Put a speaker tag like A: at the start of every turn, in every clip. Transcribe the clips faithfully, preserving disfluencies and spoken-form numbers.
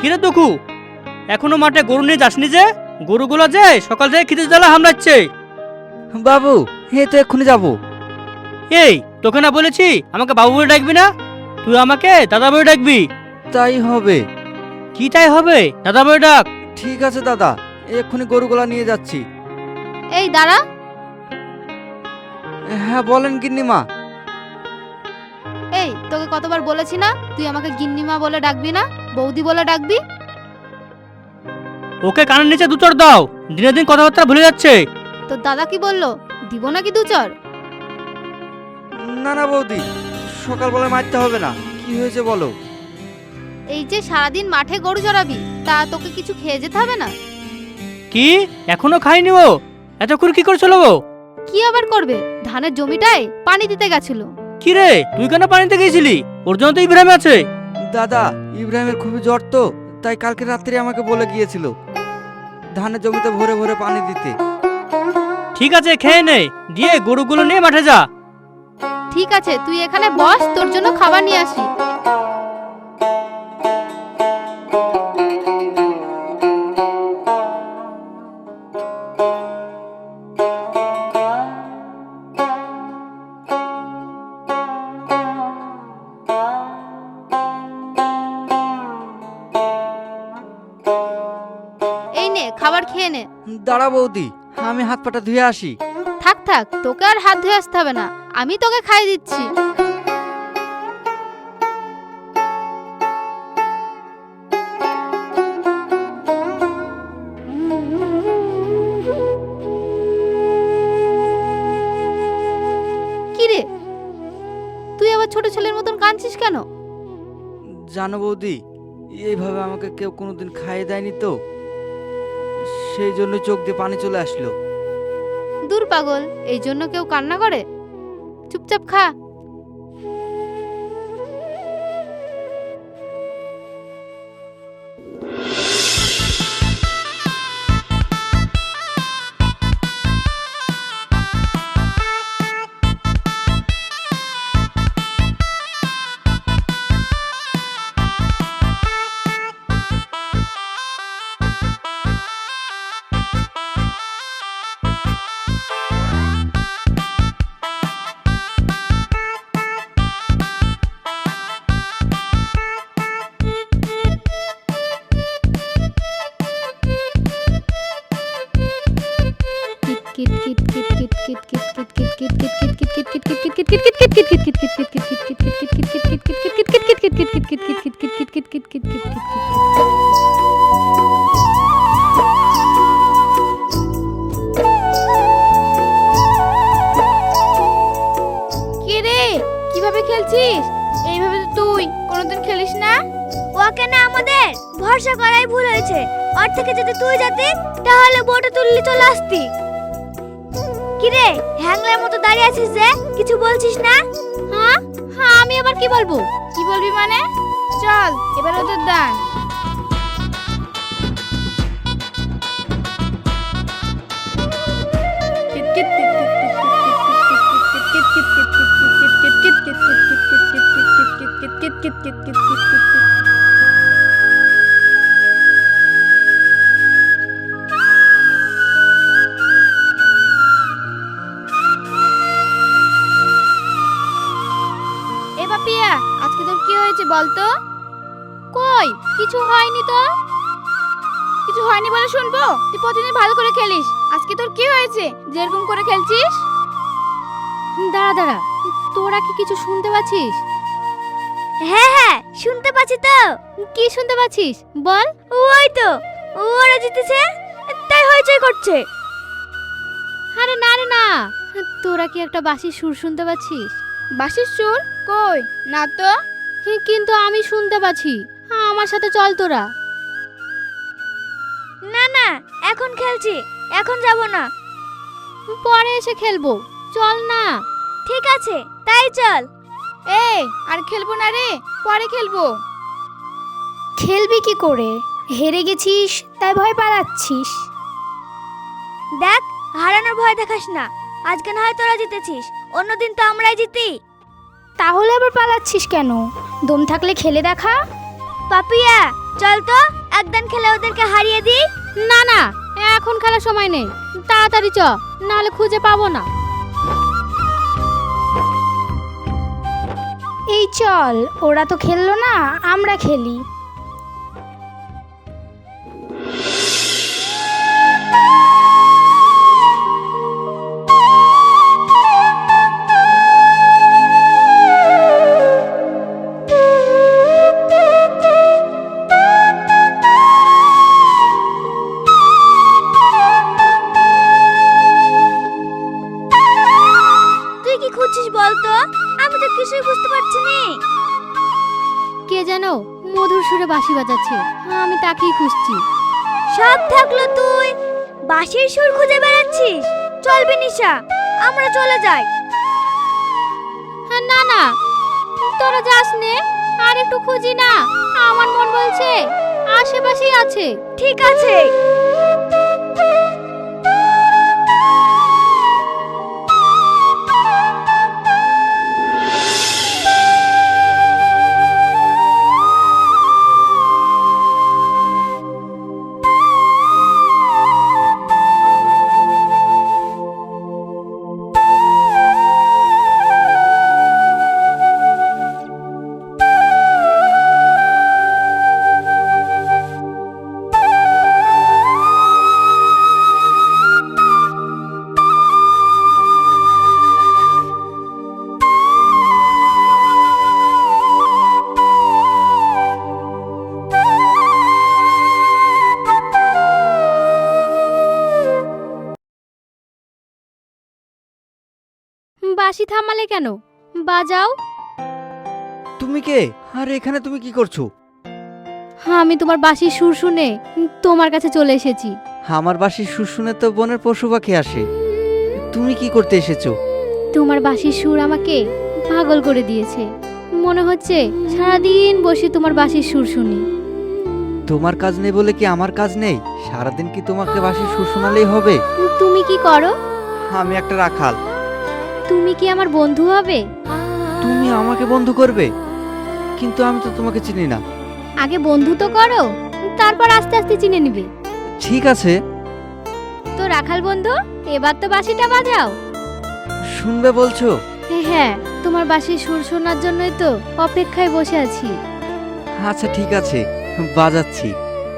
A: কিরে দুঃখু, এখনো মাঠে গরু নিয়ে যাসনি যে? গরুগুলো যে সকাল থেকে খিদে জ্বালা হামলাচ্ছে।
B: বাবু এই তো এক্ষুনি যাবো।
A: এই তোকে না বলেছি আমাকে বাবু বলে ডাকবি না, তুই আমাকে দাদা বলে ডাকবি।
B: তাই হবে।
A: কি তাই হবে? দাদা বলে ডাক।
B: ঠিক আছে দাদা, এক্ষুনি গরুগুলা নিয়ে যাচ্ছি।
C: এই দাঁড়া।
B: হ্যাঁ বলেন গিন্নিমা।
C: এই তোকে কতবার বলেছি না তুই আমাকে গিন্নিমা বলে ডাকবি না, বৌদি বলে ডাকবি।
A: ওকে কানের নিচে দু চড় দাও, দিনে দিন কথাবার্তা ভুলে যাচ্ছে।
C: তোর দাদা কি বললো, দিব নাকি দু চর?
B: না না বৌদি, সকালবেলায় মারতে হবে না। কি হয়েছে বলো।
C: এই যে সারাদিন মাঠে গরু চড়াবি, তা তোকে কিছু খেয়ে যেতে হবে না?
A: কি এখনো খাইনি ও? এতক্ষণ কি করছিল ও?
C: কি আবার করবে, ধানের জমিটায় পানি দিতে গেছিল।
A: কি রে তুই কেন পানিতে গিয়েছিলি? ওর জন্য তো ইব্রাহিম আছে।
B: দাদা ইব্রাহিমের খুবই জ্বর তো, তাই কালকে রাত্রে আমাকে বলে গিয়েছিল ধানের জমিতে ভরে ভরে পানি দিতে।
A: ঠিক আছে খেয়ে নে, দিয়ে গরুগুলো নিয়ে মাঠে যা।
C: ঠিক আছে তুই এখানে বস, তোর জন্য খাবার নিয়ে আসি। এই নে খাবার খেয়ে নে।
B: দাঁড়া বৌদি, আমি হাত পাটা ধুয়ে আসি।
C: থাক থাক, তোকে আর হাত ধুয়ে আসতে হবে না, আমি তোকে খাইয়ে দিচ্ছি। কি রে, তুই আবার ছোট ছেলের মতন কাঁদছিস কেন?
B: জানো বৌদি, এইভাবে আমাকে কেউ কোনোদিন খাইয়ে দেয়নি তো, সেই জন্য চোখ দিয়ে পানি চলে আসলো।
C: দূর পাগল, এই জন্য কেউ কান্না করে? চুপচাপ খা। কিভাবে খেলছিস? এইভাবে তো তুই কোনোদিন খেলিস না।
D: ওকে না আমাদের ভরসা করাই ভুল হয়েছে। ওর থেকে যদি তুই যেতি তাহলে বউটা তুললি চলে আসতি। কিরে হ্যাংলার মতো দাঁড়িয়ে আছিস যে, কিছু বলছিস না?
C: হ্যাঁ হ্যাঁ আমি আবার কি বলবো? কি বলবি মানে? চল এবার ওদের দান। এ পাপিয়া, আজকে তোর কি হয়েছে বলতো? কই কিছু হয়নি তো। কিছু হয়নি বলে শুনবো? তুই প্রতিদিন ভালো করে খেলিস, আজকে তোর কি হয়েছে যেরকম করে খেলছিস? দাঁড়া দাঁড়া, তোরা কি কিছু শুনতে পাচ্ছিস?
D: হ্যাঁ হ্যাঁ শুনতে পাচ্ছি তো।
C: কি শুনতে পাচ্ছিস বল?
D: ওই তো ওরা জিতেছে, তাই হইচই করছে।
C: আরে না রে না, তোরা কি একটা বাঁশির সুর শুনতে পাচ্ছিস? বাঁশির সুর? কই না তো। কিন্তু আমি শুনতে পাচ্ছি, আমার সাথে চল তোরা।
D: না না এখন খেলছি, এখন যাব না।
C: পরে এসে খেলবো, চল না।
D: ঠিক আছে তাই চল।
C: এ আর খেলবো না রে, পরে খেলবো। খেলবি কি করে? হেরে গেছিস তাই ভয় পালাচ্ছিস।
D: দেখ হারানোর ভয় দেখাস না, আজকে না হয় তোরা জিতেছিস, অন্যদিন তো আমরাই জিতি।
C: তাহলে আবার পালাচ্ছিস কেন? দম থাকলে খেলে দেখা।
D: পাপিয়া চল তো একদিন খেলে ওদেরকে হারিয়ে দিই।
C: না না, এখন খেলার সময় নেই, তাড়াতাড়ি চ, নাহলে খুঁজে পাবো না।
E: এই চল, ওরা তো খেললো না, আমরা খেলি।
D: তুই কি খুঁজছিস বলতো? আমি তো কিছুই বুঝতে পারছি না।
C: কে যেন মধুর সুরে বাঁশি বাজাচ্ছে, আমি তাকেই খুঁজছি।
D: সব থাকলো তুই বাঁশির সুর খুঁজে বেড়াচ্ছিস। চলবি নিশা, আমরা চলে যাই।
C: হ্যাঁ, না না, তোরা যাস নে, আর একটু খুঁজি না। আমার মন বলছে আশেপাশেই আছে।
D: ঠিক আছে।
C: বাঁশি থামালে কেন? বাজাও।
B: তুমি কে? আর এখানে তুমি কি করছো?
C: আমি তোমার বাঁশির সুর শুনে তোমার কাছে চলে এসেছি।
B: আমার বাঁশির সুর শুনে তো বনের পশু পাখি আসে। তুমি কি করতে এসেছো?
C: তোমার বাঁশির সুর আমাকে পাগল করে দিয়েছে। মনে হচ্ছে সারাদিন বসে তোমার বাঁশির সুর শুনি।
B: তোমার কাজ নেই বলে কি আমার কাজ নেই? সারাদিন কি তোমাকে বাঁশির সুর শোনালেই হবে?
C: তুমি কি করো?
B: আমি একটা রাখাল।
C: তুমি কি আমার বন্ধু হবে?
B: তুমি আমাকে বন্ধু করবে? কিন্তু আমি তো তোমাকে চিনি না।
C: আগে বন্ধু তো করো, তারপর আস্তে আস্তে চিনে নিবে।
B: ঠিক আছে।
C: তো রাখাল বন্ধু, এবার তো বাঁশিটা বাজাও।
B: শুনবে বলছো?
C: হ্যাঁ, তোমার বাঁশির সুর শোনার জন্যই তো অপেক্ষায় বসে আছি।
B: আচ্ছা ঠিক আছে, বাজাচ্ছি।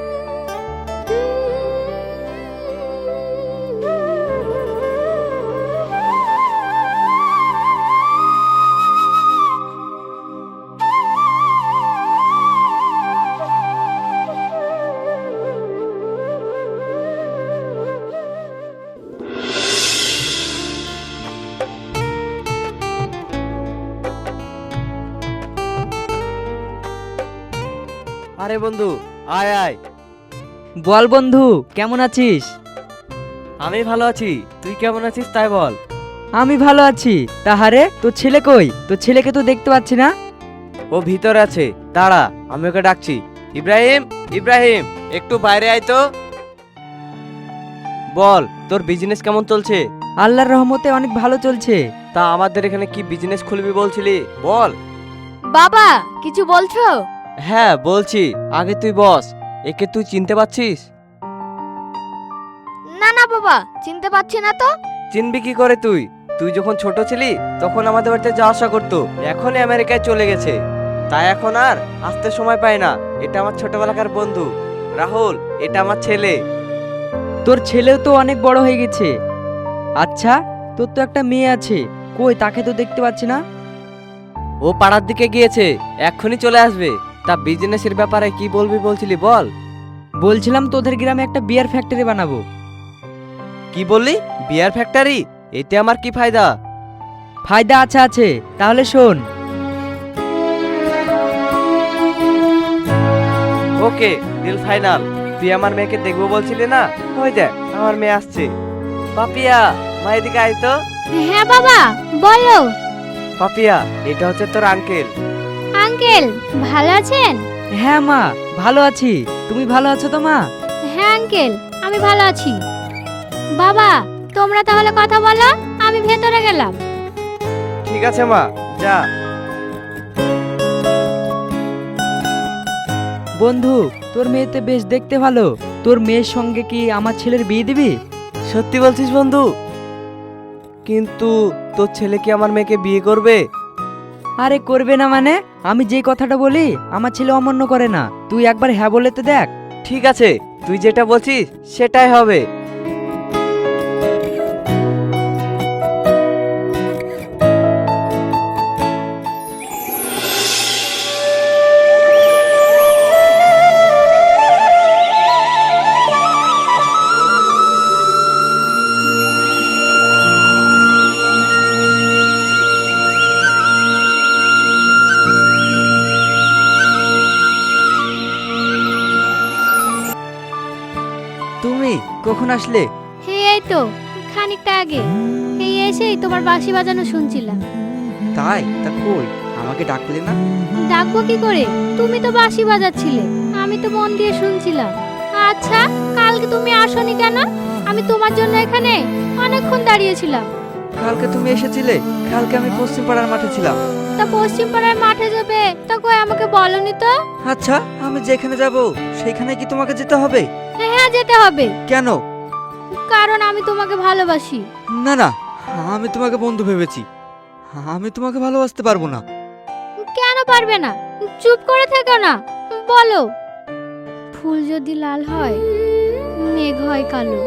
F: আরে বন্ধু, আয় আয়।
G: বল বন্ধু, কেমন আছিস?
F: আমি ভালো আছি, তুই কেমন আছিস তাই বল।
G: আমি ভালো আছি। তাহারে তোর ছেলে কই? তোর ছেলেকে তো দেখতে পাচ্ছি না।
F: ও ভিতরে আছে, দাঁড়া আমি ওকে ডাকছি। ইব্রাহিম, ইব্রাহিম, একটু বাইরে আয় তো। বল, তোর বিজনেস কেমন চলছে?
G: আল্লাহর রহমতে অনেক ভালো চলছে।
F: তা আমাদের এখানে কি বিজনেস খুলবি বলছিলি, বল।
C: বাবা, কিছু বলছো?
F: হ্যাঁ বলছি, আগে তুই বস। একে তুই চিনতে পারছিস?
D: না না বাবা, চিনতে পারছি না তো।
F: চিনবি কি করে তুই? তুই যখন ছোট ছিলি তখন আমাদের বাড়িতে যাওয়া আসা করতো, এখনই আমেরিকায় চলে গেছে। তাই এখন আর আসতে সময় পায় না। এটা আমার ছোটবেলাকার বন্ধু রাহুল, এটা আমার ছেলে।
G: তোর ছেলেও তো অনেক বড় হয়ে গেছে। আচ্ছা, তোর তো একটা মেয়ে আছে, কই তাকে তো দেখতে পাচ্ছি না।
F: ও পাড়ার দিকে গিয়েছে, এক্ষুনি চলে আসবে। তা বিজনেসের ব্যাপারে কি বলবি বলছিলি, বল।
G: বলছিলাম তোদের গ্রামে একটা বিয়ার ফ্যাক্টরি বানাবো।
F: কি বললি? Beer factory? এতে আমার কি ফায়দা?
G: ফায়দা আছে আছে, তাহলে শোন।
F: Okay, deal final. তুই আমার মেয়েকে দেখবো বলছিলি না? ওই দেখ আমার মেয়ে আসছে। পাপিয়া, মা এদিকে আয় তো।
C: হ্যাঁ বাবা, বলো।
F: পাপিয়া, এটা হচ্ছে তোর আঙ্কেল।
C: আঙ্কেল, ভালো আছেন?
G: হ্যাঁ মা, ভালো আছি। তুমি ভালো আছো তো মা?
C: হ্যাঁ আঙ্কেল, আমি ভালো আছি। বাবা, তোমরা তাহলে কথা বলো, আমি ভেতরে গেলাম।
F: ঠিক আছে মা, যা।
G: বন্ধু, তোর মেয়ে তো বেশ দেখতে ভালো, তোর মেয়ের সঙ্গে কি আমার ছেলের বিয়ে দিবি?
F: সত্যি বলছিস বন্ধু? কিন্তু তোর ছেলে কি আমার মেয়েকে বিয়ে করবে?
G: আরে করবে না মানে? আমি যেই কথাটা বলি আমার ছেলে অমান্য করে না, তুই একবার হ্যাঁ বলে তো দেখ।
F: ঠিক আছে, তুই যেটা বলছিস সেটাই হবে।
B: তুমি কখন আসলে?
C: হে এই তো খানিকটা আগে এই এসেই তোমার বাঁশি বাজানো শুনছিলাম।
B: তাই? তা কই আমাকে ডাকলে না?
C: ডাকবো কি করে, তুমি তো বাঁশি বাজাচ্ছিলে, আমি তো মন দিয়ে শুনছিলাম। আচ্ছা কালকে তুমি আসোনি কেন? আমি তোমার জন্য এখানে অনেকক্ষণ দাঁড়িয়েছিলাম।
B: কালকে তুমি এসেছিলে? কালকে আমি পশ্চিম পাড়ার মাঠে ছিলাম।
C: তা পশ্চিম পাড়ার মাঠে যাবে তা কই আমাকে বলনি তো?
B: আচ্ছা আমি যেখানে যাব সেখানে কি তোমাকে যেতে হবে?
C: হ্যাঁ যেতে হবে।
B: কেন?
C: কারণ আমি তোমাকে ভালোবাসি।
B: না না, আমি তোমাকে বন্ধু ভেবেছি, আমি তোমাকে ভালোবাসতে পারবো না।
C: কেন পারবে না? চুপ করে থেকো না, বলো। ফুল যদি লাল হয় মেঘ হয় কালো,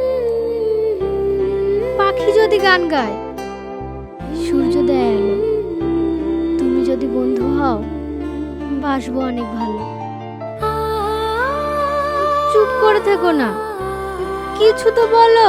C: পাখি যদি গান গায় সূর্য দেয় আলো, তুমি যদি বন্ধু হও বাসবো অনেক ভালো। চুপ করে থেকো না, কিছু তো বলো।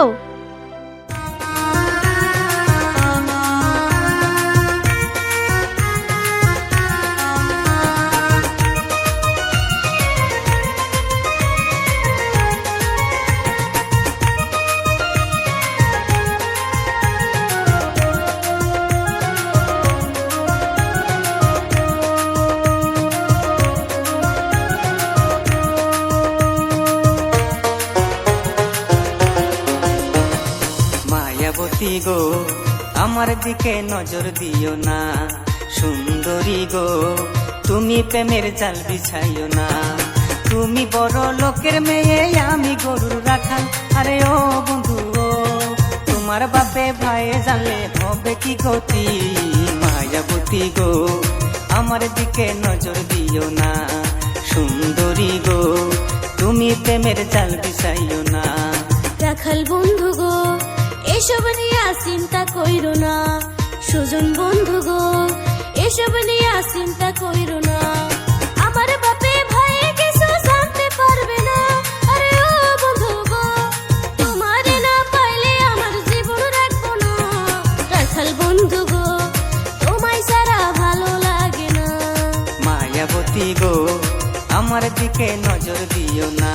H: মায়াবতী গো আমার দিকে নজর দিও না, সুন্দরী গো তুমি প্রেমের জাল বিছাইও না। তুমি বড় লোকের মেয়ে আমি গরুর রাখাল, আরে ও বন্ধু ও তোমার বাপে ভাই জানলে হবে কি গতি। মায়াবতী গো আমার দিকে নজর দিও না, সুন্দরী গো তুমি প্রেমের জাল বিছাইও না।
D: রাখাল বন্ধু গো এসব নিয়ে চিন্তা কইরো না, সুজন বন্ধু গো এসব নিয়ে চিন্তা কইরো না। আমার বাপে ভাই কিছু জানতে পারবে না, আরে ও বন্ধু গো তোমার না পাইলে আমার জীবন রাখবো না। রাখাল বন্ধু গো তোমায় সারা ভালো লাগে না।
H: মায়াবতী গো আমার দিকে নজর দিও না।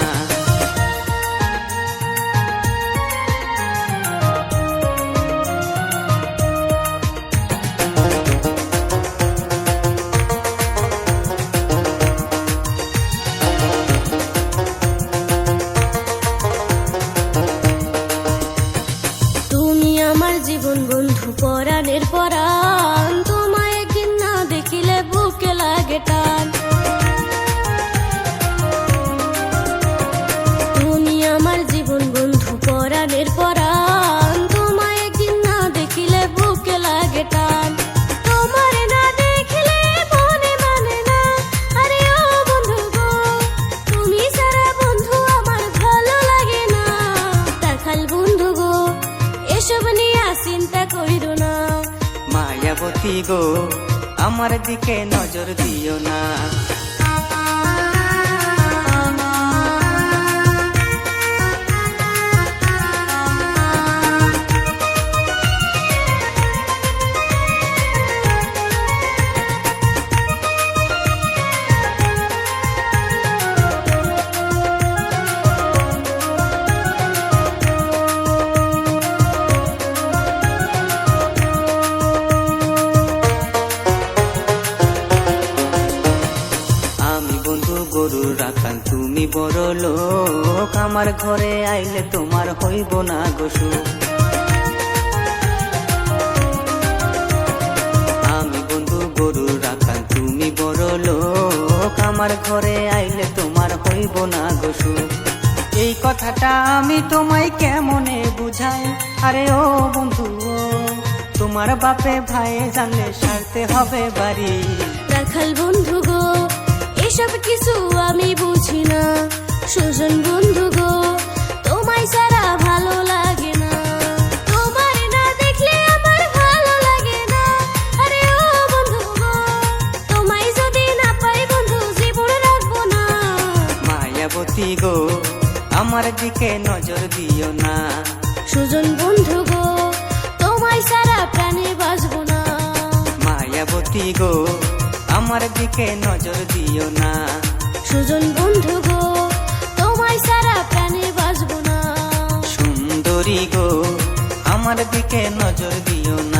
D: তুমি আমার জীবন বন্ধু পরাণের পরাণ, তোমায় একদিন না দেখিলে বুকে লাগে টান। তুমি আমার জীবন বন্ধু পরাণের পরাণ, তোমায় একদিন না দেখিলে বুকে লাগে টান। তোমার না দেখিলে মনে মানে না, আরে ও বন্ধু গো তুমি সারা বন্ধু আমার ভালো লাগে না। রাখাল বন্ধু গো এসব নিয়ে চিন্তা করিরো না।
H: মায়াবতী গো আমার দিকে নজর দিও না। গরুর রাখাল তুমি বড় লোক, আমার ঘরে আইলে তোমার হইব না গোসু। আমি বন্ধু গরুর রাখাল তুমি বড় লোক, আমার ঘরে আইলে তোমার হইব না কথাটা আমি তোমায় কেমনে বুঝাই, আরে ও বন্ধু ও, তোমার বাপে ভাই জানলে সারতে হবে বাড়ি।
D: রাখাল বন্ধু গো, এসব কিছু আমি বুঝি না। সুজন বন্ধু গো, তোমায় ছাড়া ভালো লাগে না। তোমায় না দেখলে আমার ভালো লাগে না। আরে ও বন্ধু গো, তোমায় যদি না পাই বন্ধু জীবনে রাখবো না।
H: মায়াবতী গো, আমার দিকে নজর দিও না।
D: সুজন বন্ধু গো, তোমায় ছাড়া প্রাণে বাঁচবো না।
H: মায়াবতী গো, আমার দিকে নজর দিও না।
D: সুজন বন্ধু গো, তোমায় ছাড়া প্রাণে বাঁচবো না।
H: সুন্দরী গো, আমার দিকে নজর দিও না।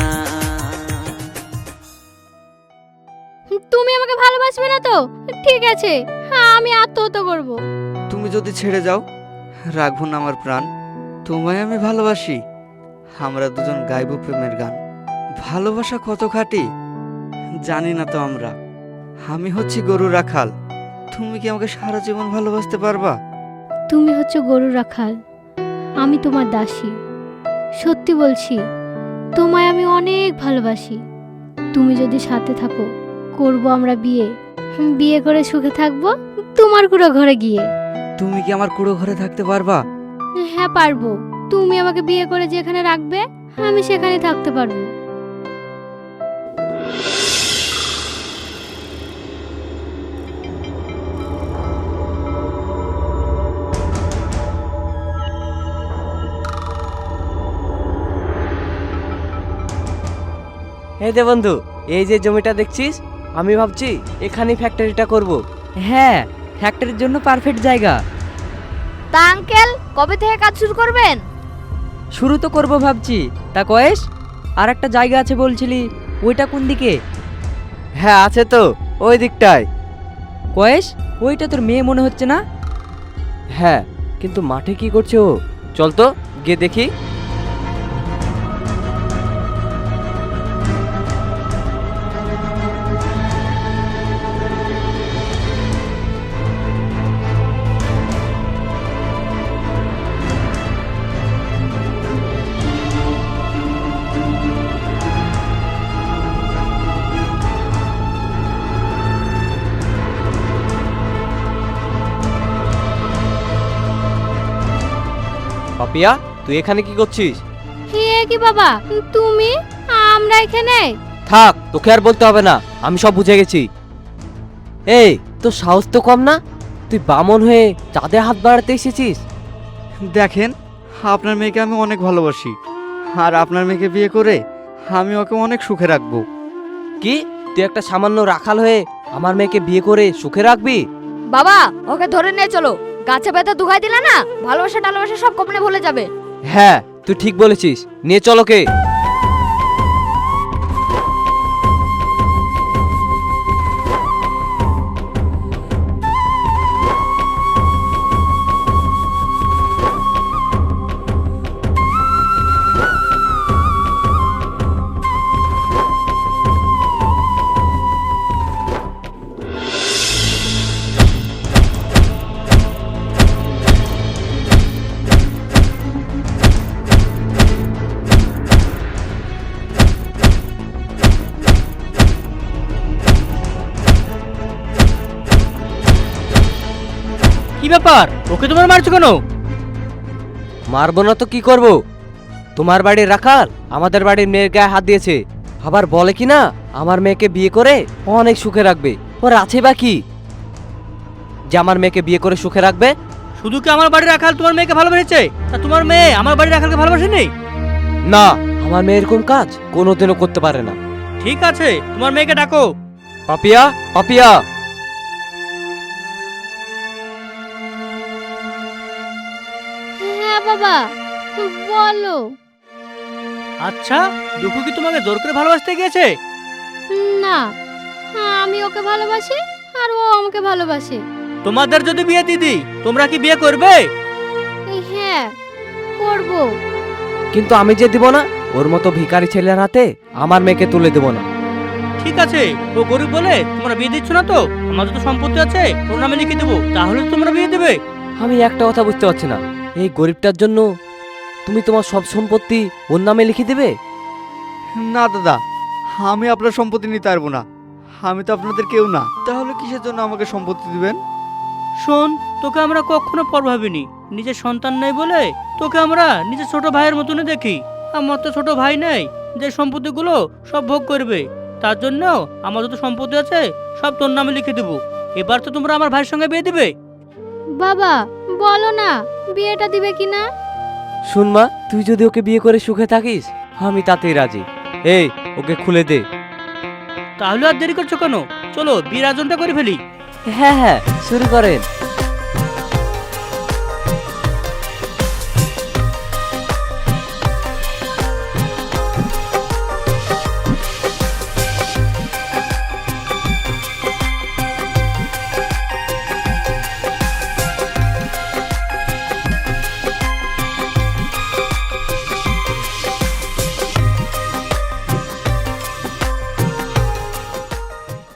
C: তুমি আমাকে ভালোবাসবে না তো? ঠিক আছে, হ্যাঁ আমি আত্মহত্যা করব।
B: তুমি যদি ছেড়ে যাও, রাখবো না আমার প্রাণ। তোমায় আমি ভালোবাসি। আমরা দুজন গাইব প্রেমের গান। ভালোবাসা কত খাঁটি জানি না তো আমরা। আমি হচ্ছি গরু রাখাল। তুমি কি আমাকে সারা জীবন ভালোবাসতে পারবা?
E: তুমি হচ্ছে গরু রাখাল, আমি তোমার দাসী। সত্যি বলছি, তোমায় আমি অনেক ভালোবাসি। তুমি যদি সাথে থাকো, করব আমরা বিয়ে। বিয়ে করে সুখে থাকবো তোমার কুড়ো ঘরে গিয়ে।
B: তুমি কি আমার কুড়ো ঘরে থাকতে পারবা?
E: হ্যাঁ পারবো। তুমি আমাকে বিয়ে করে যেখানে রাখবে আমি সেখানে থাকতে পারবো।
F: এই দে বন্ধু, এই যে জমিটা দেখছিস, আমি ভাবছি এখানেই ফ্যাক্টরিটা করব।
G: হ্যাঁ, ফ্যাক্টরির জন্য পারফেক্ট জায়গা।
D: তা আঙ্কেল, কবে থেকে কাজ শুরু করবেন?
G: শুরু তো করব ভাবছি। তা কয়েস, আর একটা জায়গা আছে বলছিলি, ওইটা কোন দিকে?
F: হ্যাঁ আছে তো, ওই দিকটায়।
G: কয়েস, ওইটা তোর মেয়ে মনে হচ্ছে না?
F: হ্যাঁ, কিন্তু মাঠে কি করছে ও? চল তো গিয়ে দেখি। পাপিয়া, তুই এখানে কি করছিস?
E: হে কি বাবা, তুমি? আমরা এখানে?
F: থাক, তোকে আর বলতে হবে না, আমি সব বুঝে গেছি। এই, তোর সাহস তো কম না? তুই বামন হয়ে চাঁদে হাত বাড়াতে এসেছিস?
B: দেখেন, আপনার মেয়েকে আমি অনেক ভালোবাসি। আর আপনার মেয়েকে বিয়ে করে আমি ওকে অনেক সুখে রাখবো।
F: কি, তুই একটা সামান্য রাখাল হয়ে আমার মেয়েকে বিয়ে করে সুখে রাখবি?
D: বাবা, ওকে ধরে নিয়ে চলো। গাছে ব্যথা দুগাই দিলে না, ভালোবাসা টালোবাসা সব কমনে ভুলে যাবে।
F: হ্যাঁ, তুই ঠিক বলেছিস, নিয়ে চলো কে।
A: কি ব্যাপার, ওকে তোমার মারছো কেন?
F: মারবো না তো কি করব? তোমার বাড়ির রাখাল আমাদের বাড়ির মেয়ের গায়ে হাত দিয়েছে, আবার বলে কি না আমার মেয়েকে বিয়ে করে অনেক সুখে রাখবে। ওর আছে বা কি যে আমার মেয়েকে বিয়ে করে সুখে রাখবে?
A: শুধু কি আমার বাড়ির রাখাল তোমার মেয়েকে ভালোবেসেছে, তা তোমার মেয়ে আমার বাড়ির রাখালকে ভালোবাসেনি?
F: না, আমার মেয়ে এরকম কাজ কোনোদিনও করতে পারে না।
A: ঠিক আছে, তোমার মেয়েকে ডাকো।
F: পাপিয়া, পাপিয়া।
E: হ্যাঁ বাবা, বলো।
A: আচ্ছা, দুঃখু কি তোমাকে জোর করে ভালোবাসতে গিয়েছে?
E: না, আমি ওকে ভালোবাসি আর ও আমাকে ভালোবাসে।
A: তোমাদের যদি বিয়ে দিদি, তোমরা কি বিয়ে করবে?
E: হ্যাঁ করব।
F: কিন্তু আমি যে দিব না, ওর মতো ভিখারি ছেলের হাতে আমার মেয়েকে তুলে দেব না।
A: ঠিক আছে, ও গরিব বলে তোমরা বিয়ে দিচ্ছ না তো? আমাদের তো সম্পত্তি আছে, ওর নামে লিখে দেবো, তাহলে তো তোমরা বিয়ে দেবে।
F: আমি একটা কথা বুঝতে পারছি না, এই গরিবটার জন্য তুমি তোমার সব সম্পত্তি ওর নামে লিখে দেবে?
B: না দাদা, আমি আপনার সম্পত্তি নিতে পারবো না। আমি তো আপনাদের কেউ না, তাহলে কিসের জন্য আমাকে সম্পত্তি দিবেন?
A: শোন, তোকে আমরা কখনো পর ভাবিনি। নিজের সন্তান নেই বলে তোকে আমরা নিজের ছোট ভাইয়ের মতনই দেখি। আমার তো ছোট ভাই নেই যে সম্পত্তিগুলো সব ভোগ করবে। তার জন্য আমার যত সম্পত্তি আছে সব তোর নামে লিখে দেবো। এবার তো তোমরা আমার ভাইয়ের সঙ্গে বিয়ে দিবে।
E: বাবা বলো না বিয়েটা দিবে কি না?
F: শুন মা, তুই যদি ওকে বিয়ে করে সুখে থাকিস আমি তাতেই রাজি। এই ওকে খুলে দে।
A: তাহলে আর দেরি করছো কেন? চলো বিয়ের আয়োজনটা করে ফেলি।
F: হ্যাঁ হ্যাঁ শুরু করেন।